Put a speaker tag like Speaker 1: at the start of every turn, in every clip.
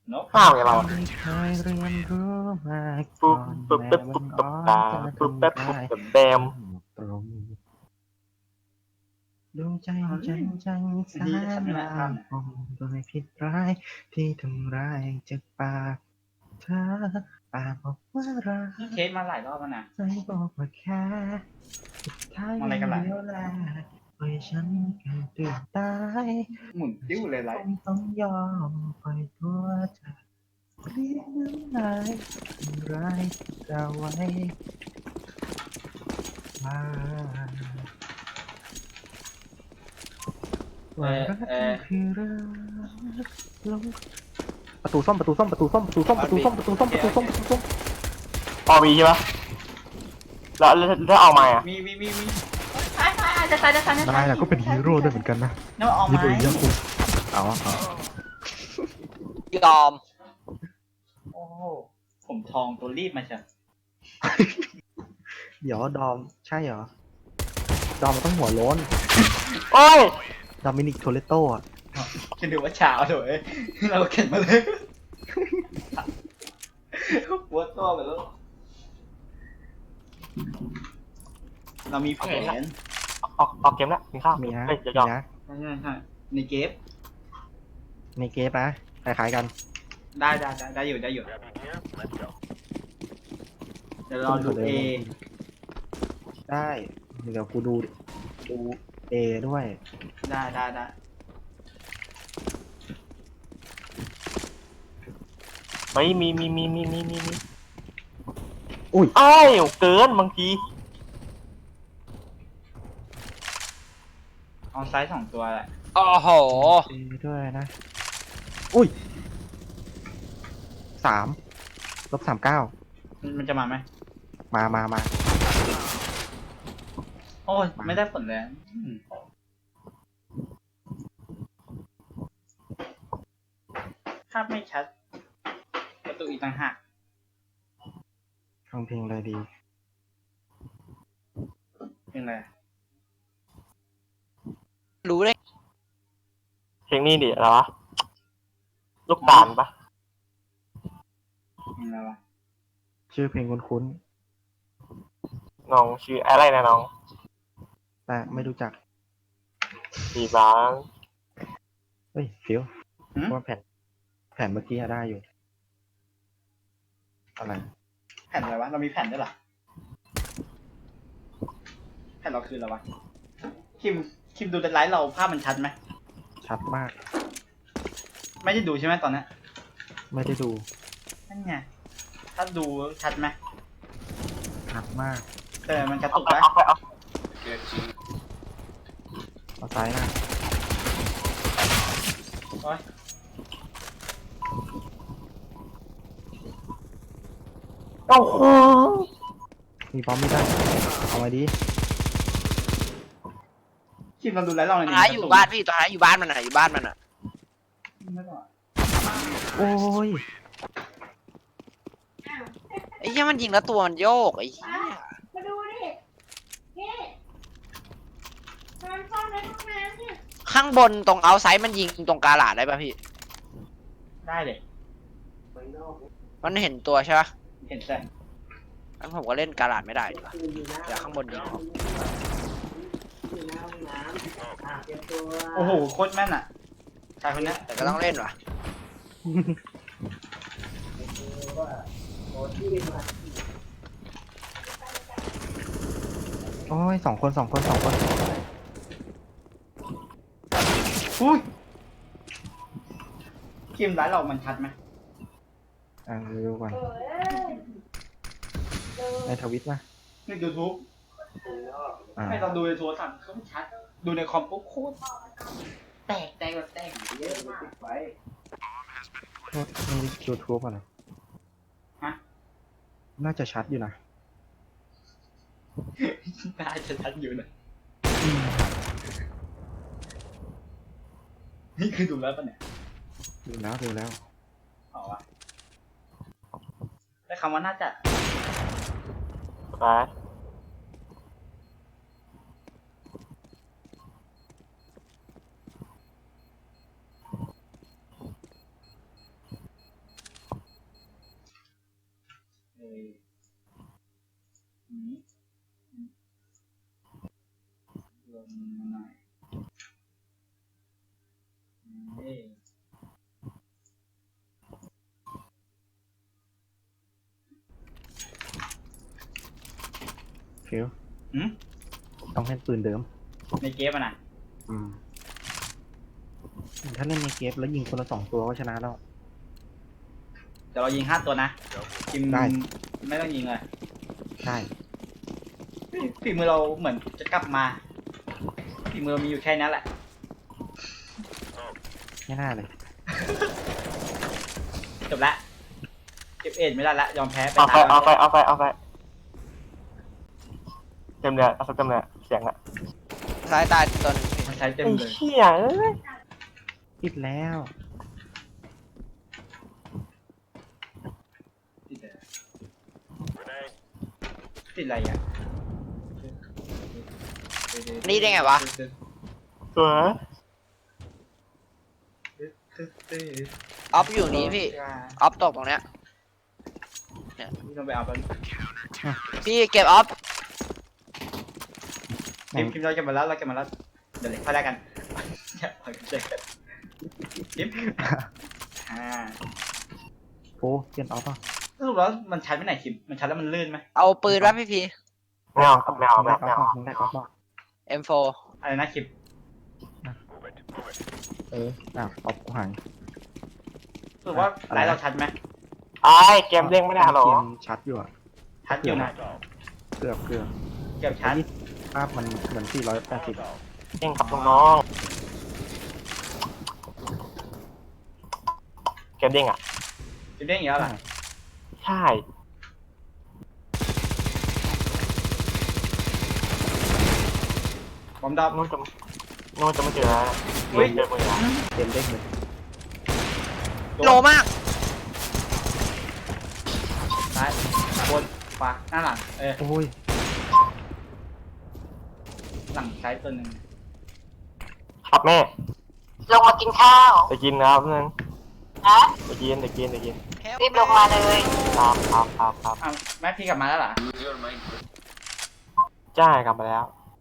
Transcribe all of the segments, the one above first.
Speaker 1: นก
Speaker 2: ห้าวอย่างเรา
Speaker 3: ไม่เคยเรียนรู้มาก่
Speaker 2: ปุ๊บ
Speaker 3: อน
Speaker 2: ปุ๊บ
Speaker 3: แม้
Speaker 2: ปุ๊บ
Speaker 3: บั
Speaker 2: ปุ๊บ
Speaker 3: ง
Speaker 2: ปุ๊
Speaker 3: อ่
Speaker 2: บ
Speaker 3: อน
Speaker 2: ตา
Speaker 3: จะ
Speaker 2: ปุ๊บแป๊บ
Speaker 3: ทำ
Speaker 2: ปุ๊บ
Speaker 3: ร้าย
Speaker 2: แบบแบม
Speaker 3: ตรงดวงใจฉันจังแสนลาคงโดยผิดร้ายที่ทำร้ายจากปากเธอปากบอกว่ารัก
Speaker 1: เคสมาหลายรอบแล้วนะ
Speaker 3: ใจบอกว่าแค่สุดท้ายยังเดียวแลปล่อยฉันกันตื่นตาย
Speaker 1: หมุนติ้วเลยไร
Speaker 3: คงต้องยอมปล่อยตัวเธอเลี้ยงน้ำลายทำร้ายเราไว้ว่าว่ารักมันคือรักลงประตูส้มประตูส้มประตูส้มประตูส้มประตูส้มประตูส้มประตูส้มประตูส้ม
Speaker 2: พอมีใช่ปะแล้วเอามาอ่ะ
Speaker 1: มีจะตาย
Speaker 3: นายน่ะก็เป็นฮีโร่ด้วยเหมือนกันนะ
Speaker 1: นั่นออก
Speaker 3: ฮี
Speaker 1: มา
Speaker 3: โร่ยักษ์คุณเอา
Speaker 4: ยอม
Speaker 1: โอ้โหผมทองตัวรีบมาจ้ะ
Speaker 3: เดี๋ยวดอมใช่เหรอดอมมันต้องหัวโล้น
Speaker 2: โอ้ย
Speaker 3: ดอมินิกโทเลโต้อะ
Speaker 1: คิดดูว่าเช้าเถอะเราเข็นมาเลยปวดตัวไปแล้วเรามีแผน
Speaker 2: ออกเกมแล้วกินข้าว
Speaker 3: มีนะ
Speaker 2: เฮ้ย
Speaker 3: มี
Speaker 2: เดี๋ยว
Speaker 3: นะ
Speaker 1: ใช่ในเกฟ
Speaker 3: ในเกมนะคล้ายๆกัน
Speaker 1: ได้อยู่เดี๋ยวเราดูเอ
Speaker 3: ได้เดี๋ยวกูดูเอด้วย
Speaker 1: ได้
Speaker 2: เฮ้ยมี
Speaker 3: อุ้ย
Speaker 2: ไอ้ายเกินบางที
Speaker 1: เอาไซส์2 ตัวแหละ
Speaker 4: โอ้โห
Speaker 3: เอด้วยนะอุ้ย3-39
Speaker 1: มันจะมาไหม
Speaker 3: มา
Speaker 1: โอ้ยไม่ได้ผลเลยภาพไม่ชัด ประตูอีกต่างหาก
Speaker 3: ฟังเพลงอะไรดี
Speaker 1: เป็นไร
Speaker 4: รู้เลย
Speaker 2: เพลงนี้ดิอะไรวะลูกตาลปะ
Speaker 1: เป็นไรวะ
Speaker 3: ชื่อเพลงคุ้น
Speaker 2: น้องชื่ออะไรนะน้อง
Speaker 3: ๆแต่ไม่รู้จัก
Speaker 2: สีบ้าง
Speaker 3: เฮ้ยฟิวเพราะว่าแผ่นเมื่อกี้อะได้อยู่อะไร
Speaker 1: แผ่นอะไรวะ เรามีแผ่นด้วยเหรอ แผ่นเราคืออะไรวะ คิมดูในไลฟ์เราภาพมันชัดไหม
Speaker 3: ชัดมาก
Speaker 1: ไม่ได้ดูใช่ไหมตอนนี้
Speaker 3: ไม่ได้ดู
Speaker 1: นั่นไง ถ้าดูชัดไหม
Speaker 3: ชัดมาก
Speaker 1: แต่มันกระ
Speaker 2: เอา
Speaker 1: ตุก
Speaker 2: ไป
Speaker 1: นะ
Speaker 2: เอาไปเอา
Speaker 3: เอาซ้ายหน้า
Speaker 1: โอ้ย
Speaker 2: โอ้โห
Speaker 3: มีบอมไม่ได้เอามาดิ
Speaker 1: คิมเราดูไลฟ์เราหน่อย
Speaker 4: ตัว
Speaker 1: ดิ
Speaker 4: ท้ายอยู่บ้านพี่ตัวท้ายอยู่บ้านมันอ่ะอยู่บ้านมันอ่ะ
Speaker 1: ไม่ต้องอะ
Speaker 3: โอ้ย
Speaker 4: ไอ้เหี้ยมันยิงแล้วตัวมันโยกไอ้เหี้ย
Speaker 5: มาดูดินี่นอนซ่อนในห้องน้ำเนี่ย
Speaker 4: ข้างบนตรงเอาไซด์มันยิงตรงกาลาดได้ป่ะพี่
Speaker 1: ได้เลย
Speaker 4: มันเห็นตัวใช่ปะ
Speaker 1: เห็นแต่
Speaker 4: งั้นผมก็เล่นกาลาดไม่ได้ดีกว่าเดี๋ยวข้างบนยิงออก
Speaker 1: โอ้โห โคตรแม่นอ่ะ ชายคนนี้
Speaker 4: แต่ก็ต้องเล่นว่ะ
Speaker 3: โอ้ยสองคน
Speaker 1: อุ้ยคิมไลฟ์เรามันชัดไหม
Speaker 3: ดูก่อน
Speaker 5: เออ
Speaker 3: ในทวิตนะ
Speaker 1: ในยูทูบ ให้เราดูในโทรศัพท์ก็ชัด ดูในคอมปุ๊บโคตรแตกแบบแตกเยอะมากไป
Speaker 3: นี่ยูทูบอะไร
Speaker 1: ฮะ
Speaker 3: น่าจะชัดอยู่นะ
Speaker 1: น่าจะชัดอยู่นะนี่คือดูแล้วปะเนี่ย
Speaker 3: ดูแล้ว
Speaker 1: เอาวะได้คำว่าน่าจะ
Speaker 2: ไป
Speaker 3: ฟิว
Speaker 1: หืม
Speaker 3: ต้องเล่นปืนเดิม
Speaker 1: ในเกมอ่ะนะ
Speaker 3: อืมถ้าเล่นในเกมแล้วยิงคนละ2 ตัวก็ชนะแล้ว
Speaker 1: เดี๋ยวเรายิง5 ตัวนะทีม
Speaker 3: ได้
Speaker 1: ไม่ต้องยิงเลย
Speaker 3: ใช่
Speaker 1: ฝีมือเราเหมือนจะกลับมาฝีมือเรามีอยู่แค่นั้นแหละ
Speaker 3: ไม่น่าเลย
Speaker 1: จบละเก็บเอ็ดไม่ได้ละยอมแพ้ไป
Speaker 2: เอาไป
Speaker 1: ตาย
Speaker 2: เอาไปเต็มเลยเอาสักเต็มเลยเสียงอะ
Speaker 4: ซ้ายตายตัวหนึง
Speaker 1: มันใช้เต็ม
Speaker 2: ไอ้
Speaker 1: เลย
Speaker 2: เหี้ยเอ้ย
Speaker 3: ปิดแล้ว
Speaker 1: ติดอะไรอ่ะ
Speaker 4: นี่ได้ไงวะ
Speaker 2: สวย
Speaker 4: ออฟอยู่นี้พี่ออฟตกตรงเนี้ย
Speaker 1: นี่ต้องไปเอาไป
Speaker 4: พี่เก็บออฟ
Speaker 1: พิมพ์เราเก็บมาแล้วเราเก็บมาแล้วเดี๋ยวเลยค่อยได้กันอย่าปล่อยกันเจอกันพิมพ์
Speaker 3: โอ้เปลี่ยนออฟป่ะ
Speaker 1: สรุปแล้วมันชัดไม่ไหนคิมมันชัดแล้วมันลื่นไหม
Speaker 4: เอาปืนวะพี่พี
Speaker 2: ไม่เอาครับไม่เอา
Speaker 3: มึง
Speaker 2: ไม่
Speaker 3: ได้อ
Speaker 2: เอา
Speaker 3: อฟป่ะมึงได้ออฟป่ะ
Speaker 4: M4
Speaker 1: อะไรนะคิม
Speaker 3: อ้าวออฟกูหาย
Speaker 1: สรุปว่าไลน์เราชัดไหม
Speaker 2: ไอ้เกมเด้งไม่ได้หรอ
Speaker 3: เกมชัดอยู่อะ
Speaker 1: ชัดอยู่นะ
Speaker 3: เกือบ
Speaker 1: เก็บชัด
Speaker 3: ภาพมันเหมือน480
Speaker 2: เด้งกับน้องเกมเด้งอ่ะ
Speaker 1: จะเด้งอีกแล้วล่ะ
Speaker 2: ใช่
Speaker 1: บอมดอบ
Speaker 2: นู่นจะไม่เจอแล้วเจอมือแล้ว
Speaker 3: เกมเด้งเลย
Speaker 4: โลมาก
Speaker 1: ซ้ายบนขวาหน้าหลัง
Speaker 3: โอ้ย
Speaker 1: หลังซ้ายตัวหนึ่ง
Speaker 2: ครับแม่
Speaker 6: ลงมากินข้าว
Speaker 2: จะกินนะครับนึง
Speaker 6: นะ
Speaker 2: จะกิน
Speaker 6: รีบลงมาเลย
Speaker 2: ครับ
Speaker 1: อ้าวแม่พี่กลับมาแล้วเหรอ
Speaker 2: ใช่กลับมาแล้ว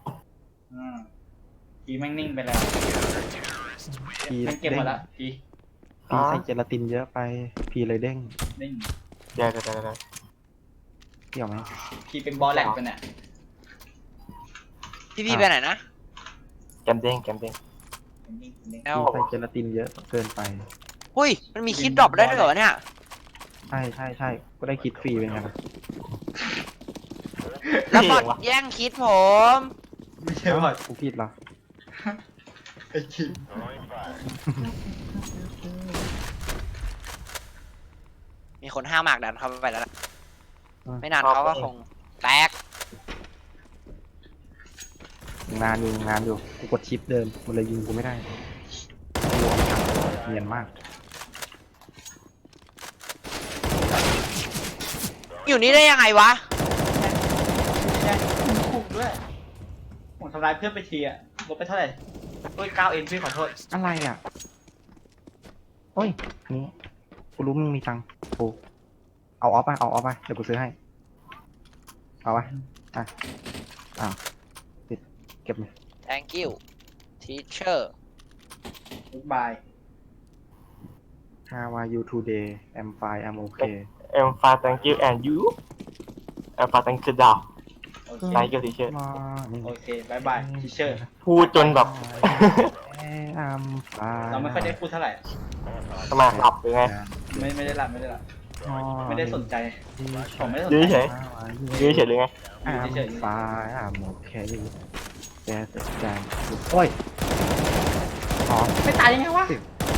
Speaker 1: พีแม่งนิ่งไปแล้ว
Speaker 3: พี
Speaker 1: แม่งเก็บหมดแล้วพี
Speaker 3: พีใส่เจลาตินเยอะไปพีเลยเด้ง
Speaker 1: นิ่ง
Speaker 2: เดี๋ยว
Speaker 3: เกี่ยวไหม
Speaker 1: พีเป็นบอลแหลกไปเนี่ย
Speaker 4: พี่ไปไหนนะ
Speaker 2: เกมเด้ง
Speaker 1: นิ่ง
Speaker 4: แล้ว
Speaker 3: พีใส่เจลาตินเยอะเกินไป
Speaker 4: หุ้ยมันมีคลิปดรอปได้ด้วยเหรอเนี่ย
Speaker 3: ใช่ก็ได้คิดฟรีเป็นไงล่ะ
Speaker 4: แล้วบอดแย่งคิดผม
Speaker 1: ไม่ใช่บอล
Speaker 3: กูผิดเหรอ
Speaker 1: ไอ้คิม
Speaker 4: มีคนห้าวมากดันเข้าไปแล้วล่ะไม่นานเขาก็คงแตก
Speaker 3: งานอยู่กูกดชิปเดิมมันเลยยิงกูไม่ได้เนียนมาก
Speaker 4: อยู่นี่ได้ยังไงวะ
Speaker 1: ใช่ถูกด้วยผมทำร้ายเพื่อนไปทีอะลบไปเท่าไหร่โอ้ย9 เองพี่ขอโทษ
Speaker 3: อะไรอ่ะโอ้ยนี่กูรู้มึงมีตังค์กูเอาออฟป่ะเดี๋ยวกูซื้อให้เอาป่ะปิดเก็บเลย
Speaker 4: thank you teacher
Speaker 1: บ๊ายบาย
Speaker 3: How are you today I'm fine I'm okay
Speaker 2: I'm fine thank you and you I'm fine thank you ดาว
Speaker 1: โอเค
Speaker 2: thank you teacher
Speaker 1: โอเคบายบายทีเชอร์
Speaker 2: พูดจนแบบ
Speaker 3: I'm fine
Speaker 1: เราไม่ค่อยได้พูดเท่าไหร่
Speaker 2: ทำไมหลับหรือไง
Speaker 1: ไม่ได้หลับไม่ได้สนใจ ผมไม่ได้สน
Speaker 2: ยื้อ
Speaker 1: ใจ
Speaker 2: เฉยยื้อเฉยหรือไง
Speaker 3: I'm fine I'm okay แกแต่ใจโอ้ยอ๋อ
Speaker 1: ไม่ตายยังไงวะ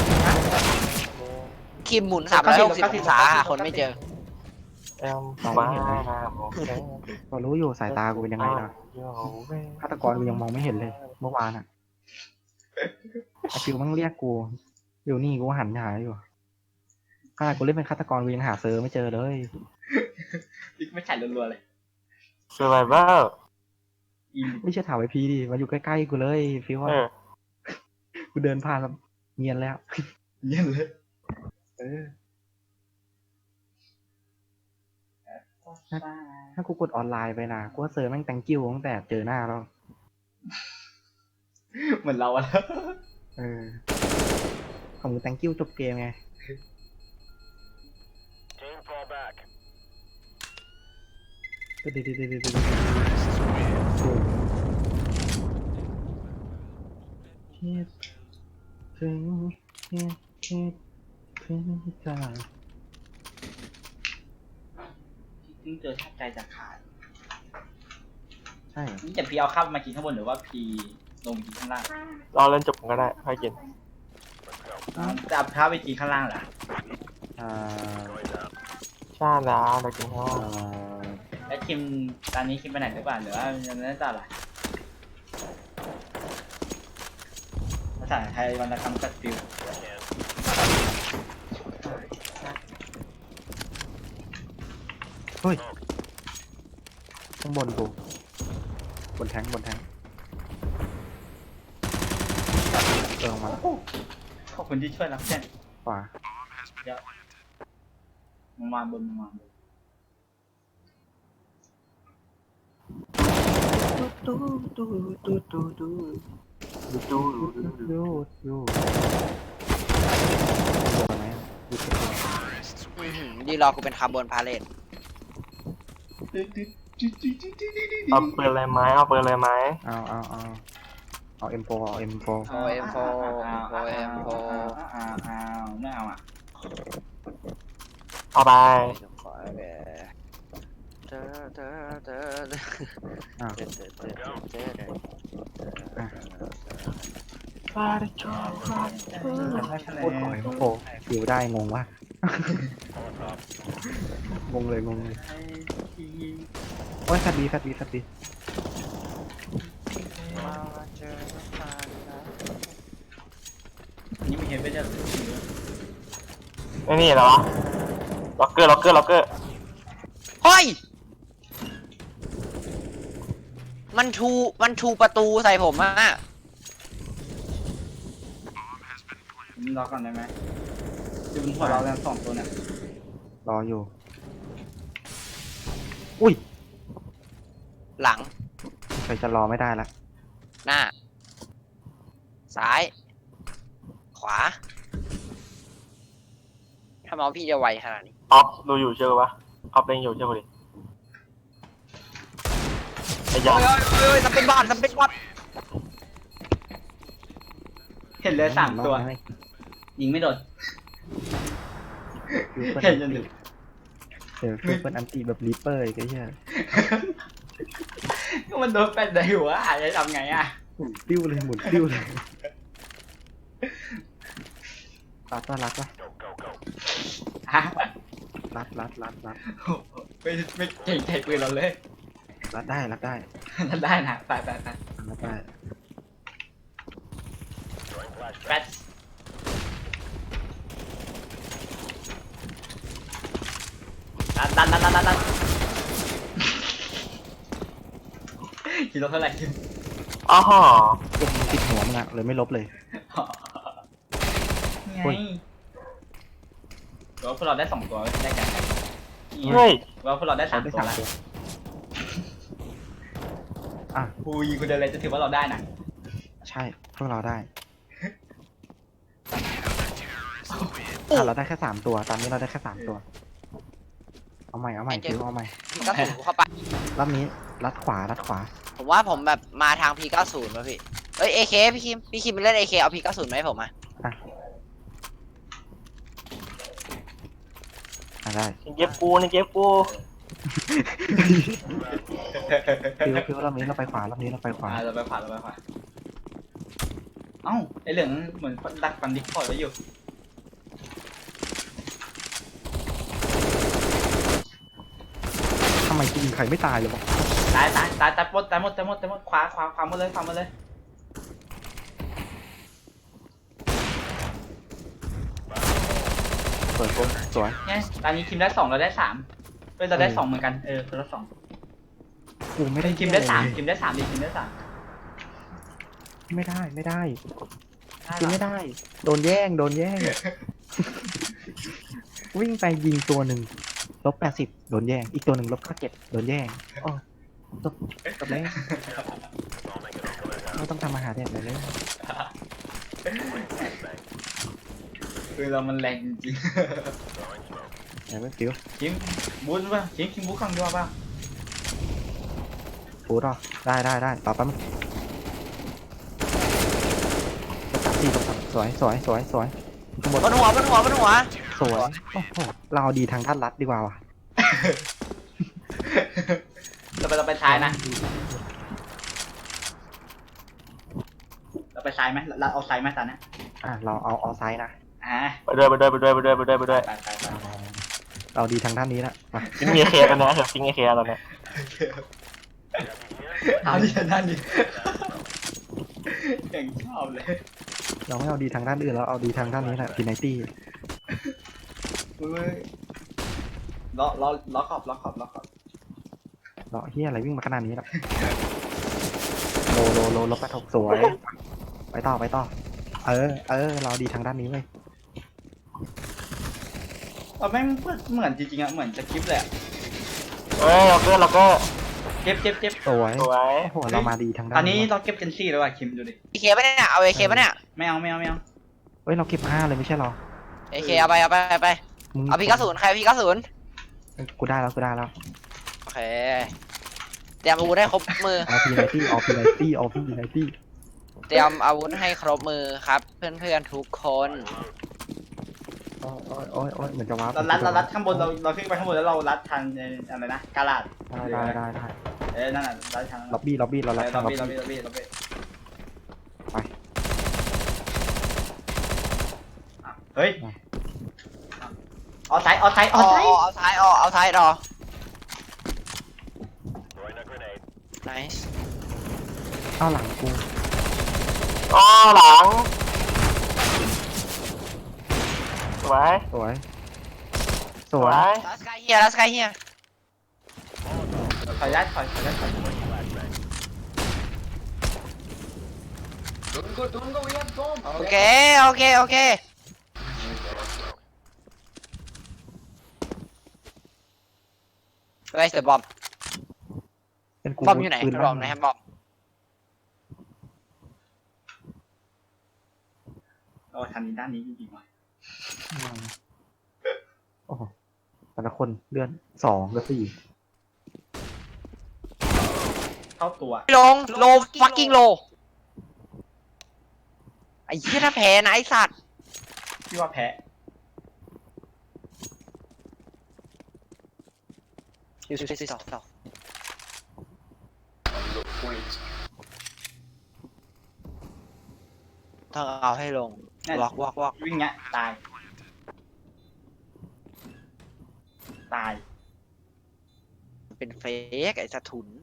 Speaker 4: คิมหมุน360องศาหาคนไม่เจอ
Speaker 2: I'm fine I'm okay
Speaker 3: ก็รู้อยู่สายตากูเป็นยังไงนะฆาตกรกูยังมองไม่เห็นเลย เมื่อวานอ่ะไอฟิวมันเรียกกูอยู่นี่กูหันหาอยู่ขนาดกูเล่นเป็นฆาตกรกูยังหาเซอร์ไม่เจอเลย
Speaker 1: ไม่ฉันรัวๆเลย
Speaker 2: survivor
Speaker 3: ไม่ใช่ถามไอพีดิมาอยู่ใกล้ๆกูเลยฟิวว่า กูเดินผ่านแล้วเงียนแล้ว
Speaker 1: เยี่ยมเลย
Speaker 3: ถ้ากูกดออนไลน์ไปนะกูว่าเซอร์แม่ง thank you ตั้งแต่เจอหน้าแล้ว
Speaker 1: เหมือนเราอะ
Speaker 3: ของมึง thank you จบเกมไงคิดถึงคิดถึงจ้า
Speaker 1: ที่เจอแทบใจจะขาด
Speaker 3: ใช่
Speaker 1: นี่จะพี่เอาข้าวมากินข้างบนหรือว่าพี่ลงไปกินข้างล่าง
Speaker 2: เราเล่นจบก็ได้ค่อยกิน
Speaker 1: จะเอาข้าวไปกินข้างล่างเหรอ
Speaker 3: อ่า
Speaker 2: ใช่แล้วเรากินข้าว
Speaker 1: แล้วคิมตอนนี้คิมไปไหนหรือเปล่าหรือว่ายังไม่ได้จ่ายอะไรภาษาไทยวรรณคำกัดฟิว
Speaker 3: เฮ้ยข้างบนกูบนแทงลงมา
Speaker 1: ขอบคุณที่ช่วยรับแจ้ง
Speaker 3: ขวา
Speaker 1: เดี๋ยวมาบน
Speaker 3: ดูโดนไหมดูเสร็จแล้ว
Speaker 4: ดีรอกูเป็นคาร์บอนพาเลต
Speaker 2: เอาปืนอะไรไหมเอาปืนอะไรไหม
Speaker 3: เอา M4 เอา M4
Speaker 4: โอเอ็มโฟโอเอ็มโฟ
Speaker 1: ไม่เอาอ่ะ
Speaker 2: เอาไป
Speaker 4: ขอไปเธอ
Speaker 3: อ่ะ โคตรหอยโอ้โหฟิวได้งงวะ งงเลยโอ้ยสัตว์ดี
Speaker 1: นี่มีเห็นไม่ใช่
Speaker 2: ไอ้นี่เหรอวะล็อกเกอร์
Speaker 4: เฮ้ยมันชูประตูใส่ผมอะ
Speaker 1: รอก่อนได้ไหมดูบนหัวเราแล้วสองตัวเนี่ย
Speaker 3: รออยู่ อุ้ย
Speaker 4: หลัง
Speaker 3: ใครจะรอไม่ได้ละ
Speaker 4: หน้า ซ้าย ขวาถ้าเมาส์พี่จะไวขนาดนี้
Speaker 2: ออฟดูอยู่เชื่อปะออฟเล่นอยู่เชื่อกูดิไอ้ยา
Speaker 4: เฮ้ยทำเป็นบอล
Speaker 1: เห็นเลยสามตัว ยิงไม่โดน เห็นจนดึก
Speaker 3: ฟิวเป็นอันตีแบบรีเปอร์อีกไอ้เหี้ย
Speaker 1: ก็มันโดนแปดได้หัวจะทำไงอ่ะ
Speaker 3: หมุนติ้วเลยรัดวะ
Speaker 1: ฮะ
Speaker 3: รัด
Speaker 1: ไม่เก่งใจปืนเราเลย
Speaker 3: รัดได้
Speaker 1: นั่นได้นะไป
Speaker 3: รัดได้
Speaker 1: แปดดันกิโลเท่าไหร่กิน
Speaker 2: อ๋อฮะ
Speaker 3: พวกมันติดหัวมึงอะเลยไม่ลบเลย
Speaker 1: ไงว่าพวกเราได้2ตัวได้กัน
Speaker 2: เฮ้ย
Speaker 1: ว่าพวกเราได้3ตัวแล้ว
Speaker 3: อ่ะ
Speaker 1: กูยิงกูเดินเลยจะถือว่าเราได้นะ
Speaker 3: ใช่พวกเราได้เราได้แค่3ตัวตอนนี้เราได้แค่3ตัวเอาใหม่ฟิวเอาใหม่
Speaker 4: พี่ก็สูเข้าไป
Speaker 3: รอบนี้รัดขวา
Speaker 4: ผมว่าผมแบบมาทาง P90 ป่ะพี่ เอ้ย AK พี่คิมไปเล่น AK เอา P90 มาให้ผมอ่ะ
Speaker 3: ได้
Speaker 2: เก็บกู
Speaker 3: ฟิวรอบนี้เราไปขวา
Speaker 1: เราไปขวาเอ้าไอเหลืองเหมือนดักฟันดิคอร์ดไว้อยู่
Speaker 3: ทำไมกูยิงใครไม่ตายเลยวะ
Speaker 1: ตายหมดขวาหมดเลย
Speaker 3: เปิดปุ๊บสวย
Speaker 1: ไงตอนนี้คิมได้2เราได้3เราได้2เหมือนกันคนละ2
Speaker 3: กูไม่ได้
Speaker 1: คิมได้3คิมได้3ดิคิมได้3
Speaker 3: ไม่ได้
Speaker 1: ได้
Speaker 3: กินไม่ได้ โดนแย่ง วิ่งไปยิงตัวหนึ่ง-80โดนแย่ง อีกตัวหนึ่ง-97โดนแย่งอ๋อจบแล้วไม่ต้องทำอาหารเด็ดเลย
Speaker 1: คือเรามันแรงจริง
Speaker 3: ไหนไม่ฟิว
Speaker 1: คิมบูทป่ะคิมบูทข้างด้วยป่ะ
Speaker 3: ฟูดหรอได้ต่อแป๊บนึงตก3 4 ตก 3สวยข้างบน
Speaker 4: บนหัว
Speaker 3: สวยโอ้โหเราเอาดีทางด้านลัดดีกว่าว่ะ
Speaker 1: เราไปซ้ายนะ เราไปซ้ายไหมเราเอาซ้ายไหมตอนนี้
Speaker 3: เราเอาไซด์นะ
Speaker 2: ไปด้วย
Speaker 1: ไป
Speaker 3: เราดีทางด้านนี้ละมา
Speaker 2: ทิ้งเอเคกันนะเดี๋ยวทิ้งเอเคตอนนี้
Speaker 1: เอาดินั่นดิเก่งชอบเลย
Speaker 3: เราไม่เอาดีทางด้านอื่นเราเอาดีทางด้านนี้แหละพีไนตี้
Speaker 1: ล้อขอบ
Speaker 3: เราเฮียอะไรวิ่งมาขนาดนี้ละโลลบกระทกสวยไปต่อเราดีทางด้านนี้เลย
Speaker 1: แม่งเหมือนจริงๆอะเหมือนจะคลิปเลยอะ
Speaker 2: เฮ้ยเราก็
Speaker 1: เจ็บ
Speaker 3: สวย
Speaker 2: สวย
Speaker 3: โอ้โหเรามาดีทางด้าน
Speaker 1: ตอนนี้เราเก็บเจนซี่แล้วว่ะคิมดูดิ
Speaker 4: เอเคปะเนี่ยเอาเอเคปะเนี่ย
Speaker 1: ไม่เอา
Speaker 3: เฮ้ยเราเก็บ5เลยไม่ใช่หรอ
Speaker 4: เอเคเอาไป
Speaker 3: มึง
Speaker 4: เอาP90ใครP90
Speaker 3: กูได้แล้ว
Speaker 4: โอเคเตรียมอาวุธให้ครบมือ
Speaker 3: เอาพีไนตี้
Speaker 4: เตรียมอาวุธให้ครบมือครับ เพื่อนๆทุกคน
Speaker 3: โอ้ยเหมือนจะว้า
Speaker 1: เรารัดข้างบนเราขึ้นไปข้างบนแล้วเรารัดทางอะไรนะกาลาด
Speaker 3: ได้
Speaker 1: นั่นน่ะรัดทาง
Speaker 3: ล็อบบี้เราลัดทางล็อบบี้
Speaker 1: ไปเฮ้ยเอาซ้าย
Speaker 4: เอาซ้ายรอ nice
Speaker 3: เข้าหลังกู
Speaker 2: อ๋อหลังสวย
Speaker 3: สวย
Speaker 4: last guy here
Speaker 1: ถอยได้
Speaker 4: โอเค Where's the bomb
Speaker 3: เป็นกู
Speaker 4: บอมอยู่ไหน
Speaker 3: ปืน
Speaker 4: บอมไหนครับบอม
Speaker 1: ทางนี้ด้านนี้จริงๆว่ะ
Speaker 3: โอ้โหแต่ละคนเลื่อน2กับ4
Speaker 1: เข้าตัว
Speaker 4: โล fucking โลไอ้เหี้ยถ้าแพ้นะไอ้สัตว์
Speaker 1: พี่ว่าแพ้
Speaker 4: ต้องเอาให้ลงวอก
Speaker 1: วิ่งเงี้ยตาย
Speaker 4: เป็นเฟกไอ้สะทุน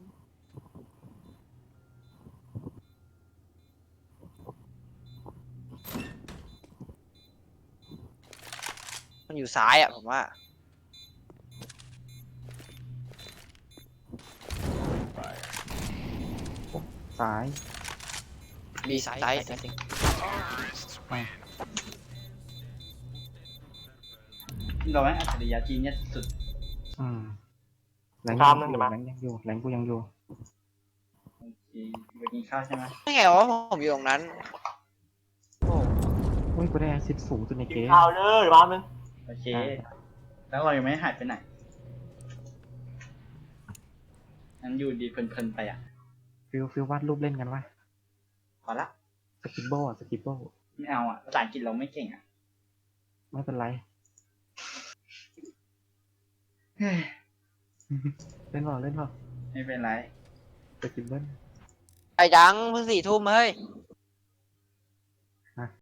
Speaker 4: มันอยู่ซ้ายอ่ะผมว่า
Speaker 3: ซ้าย
Speaker 4: มีซ้าย
Speaker 1: เราแม่งอัจฉริยะจริงเนี่ยสุด
Speaker 3: แรงยังอยู่
Speaker 1: โอเคไปกินข้าวใช่ไหม
Speaker 4: ไม่ไงว่าผมอยู่ตรงนั้น
Speaker 3: อุ้ยกูได้10สูงสุดในเกม
Speaker 2: ข่าวเลยบ้านมึง
Speaker 1: โอเค แล้วเรายังไม่หายไปไหนนั้นอยู่ดีเพลินๆไปอ่ะ
Speaker 3: ฟิลวาดรูปเล่นกันวะ
Speaker 1: พอละ
Speaker 3: สกิปโบ
Speaker 1: ไม่เอาอ่ะภาษาอังกฤษเราไม่เก่งอ่ะ
Speaker 3: ไม่เป็นไร เล่นเปล่า
Speaker 1: ไม่เป็นไร
Speaker 3: สกิปเบิ้ล
Speaker 4: ไอ้จังเพิ่ง4 ทุ่มเฮ้ย